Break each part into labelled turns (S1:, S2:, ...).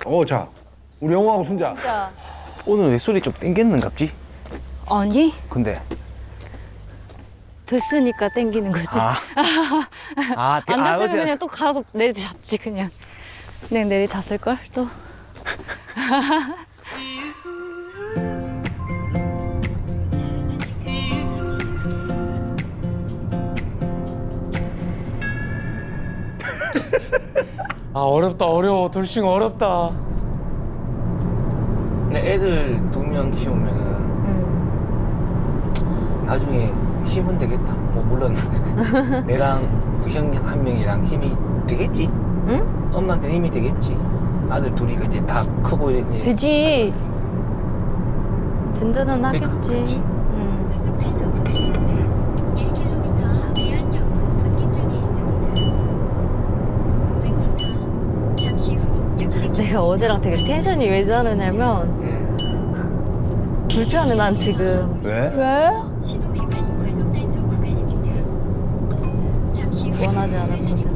S1: 자, 우리 영호하고 순자.
S2: 진짜.
S3: 오늘 왜 술이 좀 땡겼는갑지?
S2: 아니
S3: 근데
S2: 됐으니까 땡기는 거지.
S3: 안
S2: 안 됐으면 그냥 또 가서 내리잤지 그냥. 그냥 내리잤을 걸 또.
S1: 어렵다, 어려워. 돌싱 어렵다.
S3: 애들 2명 키우면은 나중에 힘은 되겠다. 뭐 물론 내랑 형 1명이랑 힘이 되겠지.
S2: 응?
S3: 엄마한테 힘이 되겠지. 아들 둘이 이제 다 크고 이제
S2: 되지. 든든은
S3: 그러니까,
S2: 하겠지.
S3: 그렇지.
S4: 과속 단속 구간입니다. 1km 위안 경부 분기점이 있습니다. 500m 잠시 후 60km.
S2: 내가 어제랑 되게 텐션이 왜 다르냐면 불편해 난 지금.
S1: 왜?
S2: 왜?
S4: 신호 위반 과속 단속 구간입니다. 잠시 후
S2: 원하지 않았거든.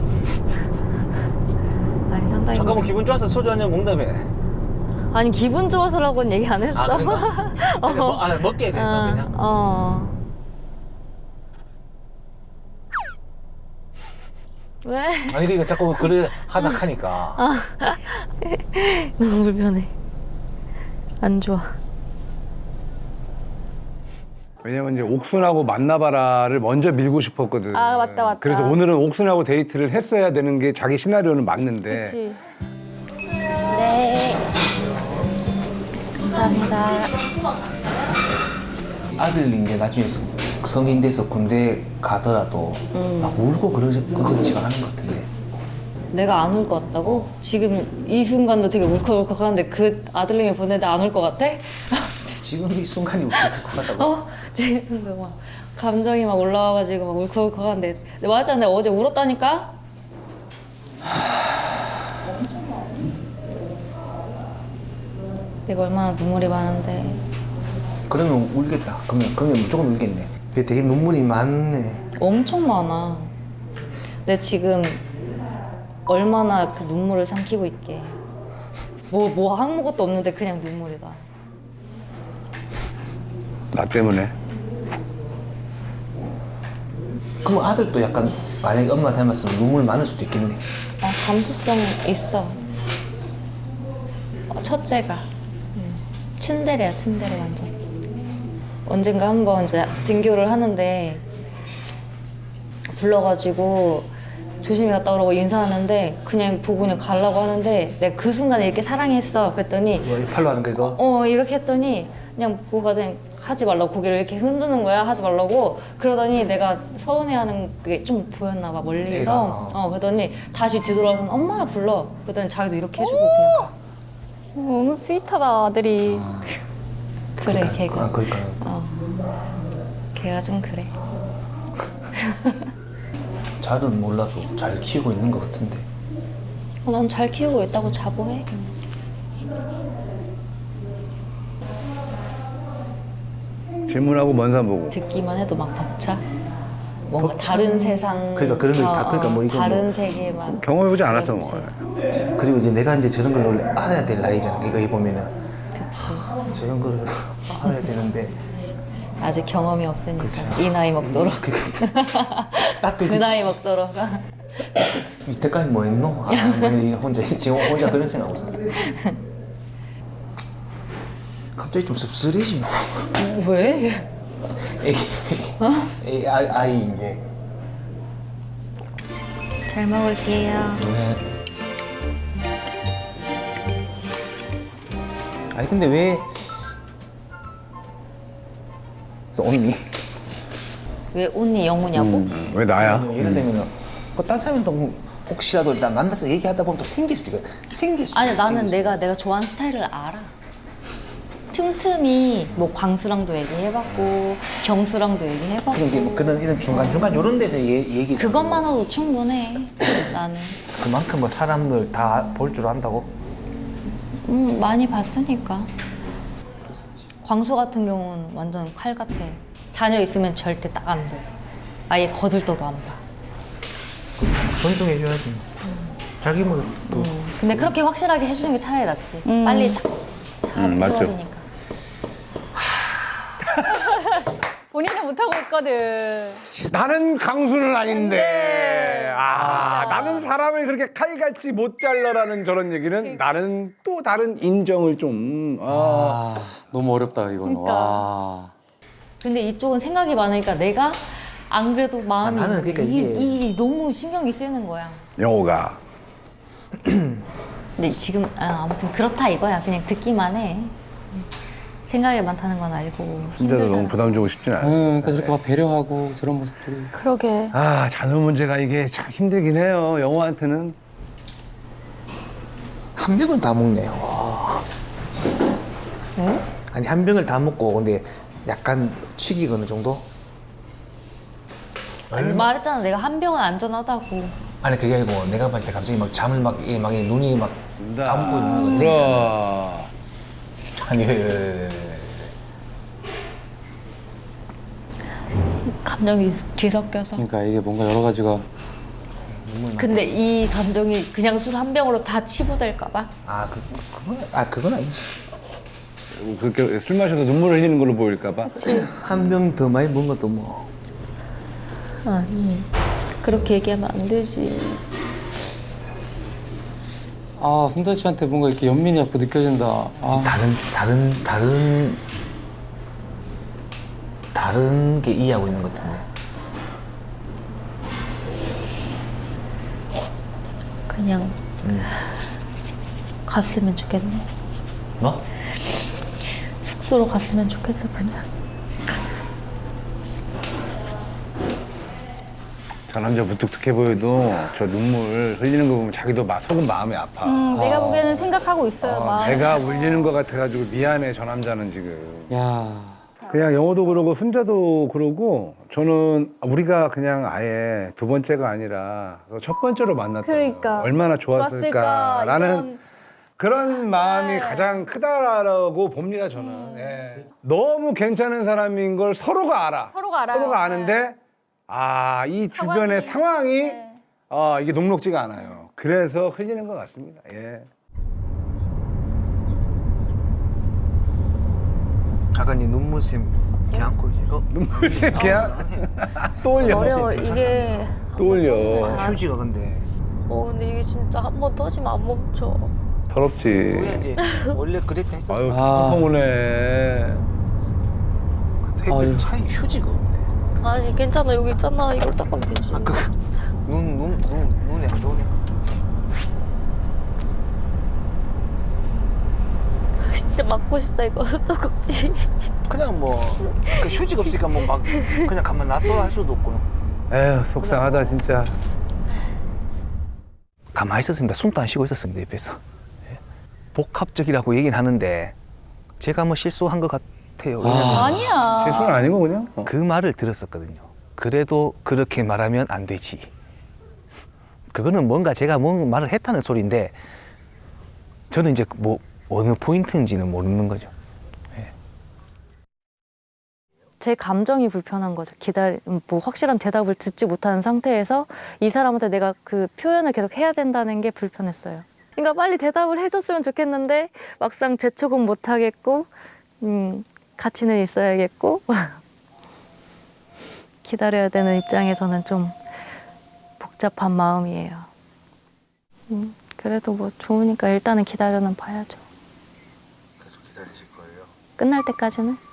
S2: 아니 상당히.
S3: 잠깐만 기분 좋아서 소주 한 잔 먹다며.
S2: 아니 기분 좋아서라고는 얘기 안 했어.
S3: 그런가? 먹게 돼서 그냥.
S2: 왜?
S3: 아니 그러니까 자꾸 그래 하다 하니까.
S2: 너무 불편해. 안 좋아.
S1: 왜냐면 이제 옥순하고 만나봐라를 먼저 밀고 싶었거든.
S2: 아, 맞다, 맞다.
S1: 그래서 오늘은 옥순하고 데이트를 했어야 되는 게 자기 시나리오는 맞는데.
S2: 그렇지. 네. 감사합니다.
S3: 아들이 이제 나중에 성인 돼서 군대 가더라도 막 울고 그러지가 않은 것 같은데.
S2: 내가 안 울 것 같다고? 지금 이 순간도 되게 울컥울컥하는데 그 아들님이 보내는데 안 울 것 같아?
S3: 지금 이 순간이 웃길 것 같다고.
S2: 지금도 막 감정이 막 올라와가지고 막 울컥울컥하는데 근데 맞아 내가 어제 울었다니까? 내가 얼마나 눈물이 많은데
S3: 그러면 울겠다. 그러면 무조건 울겠네. 근데 되게 눈물이 많네.
S2: 엄청 많아. 근데 지금 얼마나 그 눈물을 삼키고 있게 뭐 아무것도 없는데 그냥 눈물이다.
S1: 나 때문에.
S3: 그럼 아들도 약간 만약에 엄마 닮았으면 눈물 많을 수도 있겠네.
S2: 감수성 있어. 첫째가 츤데레야 츤데레 완전. 언젠가 한번 이제 등교를 하는데 불러가지고 조심히 갔다 오라고 인사하는데 그냥 보고 그냥 가려고 하는데 내가 그 순간에 이렇게 사랑했어 그랬더니
S3: 뭐 팔로 하는 거 이거?
S2: 이렇게 했더니 그냥 보고 가더니 하지 말라고 고개를 이렇게 흔드는 거야 하지 말라고 그러더니 내가 서운해하는 게 좀 보였나 봐 멀리서
S3: 애가,
S2: 그러더니 다시 뒤돌아서 엄마가 불러 그러더니 자기도 이렇게 해주고 그냥 너무 스윗하다 아들이 그래 걔가
S3: 그러니까.
S2: 걔가 좀 그래
S3: 잘은 몰라도 잘 키우고 있는 것 같은데.
S2: 난 잘 키우고 있다고 자부해
S1: 질문하고 먼 산 보고.
S2: 듣기만 해도 막 벅차 뭔가
S3: 벅차?
S2: 다른 세상
S3: 그러니까 그런 거 다 그러니까 뭐 이거
S2: 다른
S3: 뭐.
S2: 세계만
S1: 경험해보지 않았어, 뭐.
S2: 그렇지.
S3: 그리고 이제 내가 이제 저런 걸 원래 알아야 될 나이잖아. 이거 해보면은
S2: 그치.
S3: 저런 걸 알아야 되는데.
S2: 아직 경험이 없으니까
S3: 그치.
S2: 이 나이 먹도록
S3: 딱
S2: 그
S3: 그게
S2: 나이 먹도록
S3: 이때까지 뭐 했노? 왜 혼자 지금 혼자 그런 생각하고 있었어. 갑자기 좀 씁쓸해지노.
S2: 왜?
S3: 아이 이제.
S2: 잘 먹을게요
S3: 네. 아니 근데 왜? 그래서 언니.
S2: 왜 언니 영우냐고?
S1: 왜 나야?
S3: 예를 들면 딴 사람도 혹시라도 일단 만나서 얘기하다 보면 또 생길 수도 있거든. 생길 수도
S2: 아니
S3: 있어,
S2: 나는
S3: 생길 수도.
S2: 내가 좋아하는 스타일을 알아 틈틈이 뭐 광수랑도 얘기해봤고 경수랑도 얘기해봤고
S3: 그럼 이제 뭐 그런 이런 중간 이런 데서 얘기.
S2: 그것만으로도 충분해 나는
S3: 그만큼 뭐 사람들 다 볼 줄 안다고.
S2: 많이 봤으니까 광수 같은 경우는 완전 칼 같아 자녀 있으면 절대 딱 안 돼 아예 거들떠도 안 봐
S3: 존중해줘야지. 자기 뭐 또
S2: 근데 그렇게 확실하게 해주는 게 차라리 낫지. 빨리 딱
S1: 맞죠.
S2: 해버리니까.
S5: 본인은 못하고 있거든.
S1: 나는 강수는 아닌데. 나는 사람을 그렇게 칼같이 못 잘라라는 저런 얘기는 나는 또 다른 인정을 좀.
S6: 너무 어렵다 이거는.
S5: 그러니까.
S6: 와.
S2: 근데 이쪽은 생각이 많으니까 내가 안 그래도 마음이
S3: 나는 그러니까
S2: 이게 너무 신경이 쓰이는 거야.
S1: 영호가.
S2: 근데 지금 아무튼 그렇다 이거야. 그냥 듣기만 해. 생각이 많다는 건 알고.
S1: 순자도
S2: 힘들다는
S1: 너무 부담 주고 싶진 않아.
S6: 그러니까 저렇게 막 배려하고 저런 모습들이.
S5: 그러게.
S1: 자녀 문제가 이게 참 힘들긴 해요. 영호한테는.
S3: 한 병을 다 먹네. 와. 아니 한 병을 다 먹고 근데 약간 취기가 어느 정도?
S2: 아니, 말했잖아. 내가 한 병은 안전하다고.
S3: 아니 그게 아니고 내가 봤을 때 갑자기 막 잠을 막 눈이 막 감고 있는 거지.
S1: 그럼.
S3: 아니
S2: 감정이 뒤섞여서.
S6: 그러니까 이게 뭔가 여러 가지가.
S2: 근데 이 감정이 그냥 술 한 병으로 다 치부될까 봐.
S3: 그건 아니지.
S1: 그렇게 술 마셔서 눈물을 흘리는 걸로 보일까봐.
S3: 한 병 더 많이 먹은 것도 뭐.
S2: 아니 그렇게 얘기하면 안 되지.
S6: 순자 씨한테 뭔가 이렇게 연민이 자꾸 느껴진다.
S3: 다른 게 이해하고 있는 것 같은데.
S2: 그냥 갔으면 좋겠네.
S3: 뭐?
S2: 숙소로 갔으면 좋겠어 그냥.
S1: 저 남자 무뚝뚝해 보여도 저 눈물 흘리는 거 보면 자기도 속은 마음이 아파.
S5: 내가 보기에는 생각하고 있어요. 마음.
S1: 배가 울리는 것 같아가지고 미안해 저 남자는 지금.
S6: 야.
S1: 그냥 영호도 그러고 순자도 그러고 저는 우리가 그냥 아예 두 번째가 아니라 첫 번째로 만났다.
S5: 그러니까.
S1: 얼마나
S5: 좋았을까,
S1: 좋았을까라는
S5: 이런-
S1: 그런 마음이 가장 크다라고 봅니다 저는. 예. 너무 괜찮은 사람인 걸 서로가 알아.
S5: 서로가 알아요.
S1: 서로가 아는데 이 주변의 상황이
S5: 네.
S1: 이게 녹록지가 않아요. 그래서 흘리는 것 같습니다. 예.
S3: 아까 네 눈물샘 걔 안고 이제
S1: 눈물 새끼야. 또 올려.
S5: 어려워
S3: 괜찮다.
S5: 이게.
S1: 또 올려.
S3: 휴지가 근데
S2: 근데 이게 진짜 한 번 터지면 안 멈춰.
S1: 더럽지.
S3: 우리가 이제 원래 그랬다 했었어.
S1: 아유,
S6: 아.
S1: 펑펑 오네.
S3: 햇빛
S6: 아유.
S3: 차이 휴지가 없네.
S2: 아니 괜찮아 여기 있잖아. 이걸 닦으면 되지.
S3: 눈이 안 좋으니까.
S2: 진짜 맞고 싶다 이거 떡꼭지.
S3: 그냥 뭐 휴지가 없으니까 뭐 막 그냥 가만 놔둬 할 수도 없고.
S1: 에휴, 속상하다, 진짜.
S3: 가만히 있었습니다. 숨도 안 쉬고 있었습니다 옆에서. 예. 복합적이라고 얘기는 하는데 제가 뭐 실수한 것 같아요. 왜냐면
S5: 아니야.
S1: 실수는 아니고, 그냥.
S3: 그 말을 들었었거든요. 그래도 그렇게 말하면 안 되지. 그거는 뭔가 제가 뭔 말을 했다는 소리인데 저는 이제 뭐 어느 포인트인지는 모르는 거죠.
S2: 제 감정이 불편한 거죠. 뭐 확실한 대답을 듣지 못하는 상태에서 이 사람한테 내가 그 표현을 계속 해야 된다는 게 불편했어요. 그러니까 빨리 대답을 해줬으면 좋겠는데 막상 재촉은 못 하겠고, 같이는 있어야겠고 기다려야 되는 입장에서는 좀 복잡한 마음이에요. 그래도 뭐 좋으니까 일단은 기다려는 봐야죠.
S3: 계속 기다리실 거예요?
S2: 끝날 때까지는.